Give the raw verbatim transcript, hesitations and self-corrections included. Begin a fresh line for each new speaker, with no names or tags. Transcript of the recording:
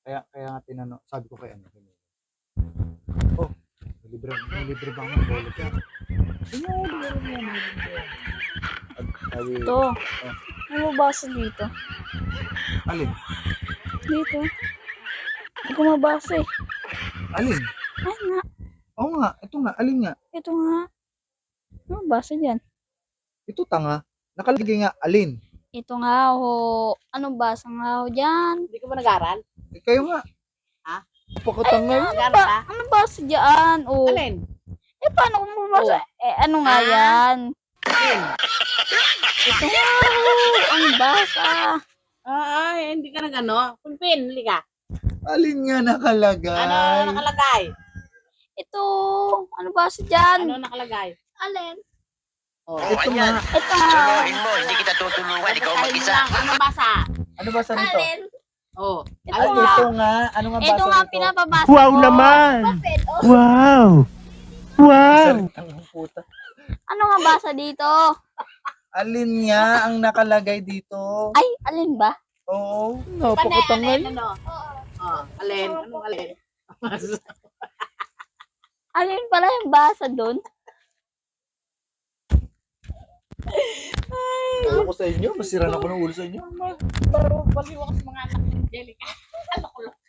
Kaya kaya nga tinanong, sabi ko kay ano, kay Milo, "Oh, may libre may libre ba akong bola diyan?" "Sige, meron yan, meron yan." At sabi,
Ito.
oh,
Ano mabasa dito?
alin?
Dito. Hindi ko mabasa eh.
Alin?
Ay nga.
Oo nga, ito nga, alin nga?
Ito nga. Ano mabasa dyan?
Ito tanga. Nakalagay nga, alin?
Ito nga ho. Anong basa nga ho dyan?
Hindi ka ba nag-aral?
Eh, kayo nga.
Ha?
Pakatanga.
Ano
Nag-aral
ba?
ka?
Ano basa dyan? Oh.
Alin?
Eh, paano ko mabasa? Eh, ano nga
Ah.
yan?
Alin?
Ito nga ho. Ang basa.
Ah, ay, hindi ka nag-ano? Pulpin, huli ka.
Alin nga nakalagay?
Ano nakalagay?
Ito. Ano basa dyan?
Ano nakalagay?
Alin?
Oh,
Ito nga.
Ito nga.
Suluhin mo, hindi kita tutulungan, ikaw
basahin mo
mag-isa.
lang. Ano basa?
Ano ba sa nito?
Alin?
Oh.
Ito
Ay,
nga.
ito nga. Ano nga basa
Ito nga
nito?
pinapabasa
Wow
ko.
naman!
Bakit? Oh.
Wow! Wow!
Salitang ng puta.
Ano nga basa dito?
Alin nga ang nakalagay dito?
Ay, alin ba?
Oo.
Napakatanga. Alin, ano? Oh, alin? Anong alin?
Alin pala yung basa doon?
Ewan ko sa inyo. Masira na ako ng ulo sa inyo.
Baro, baliw ako sa mga anak ni Angelica. Ano ko lang.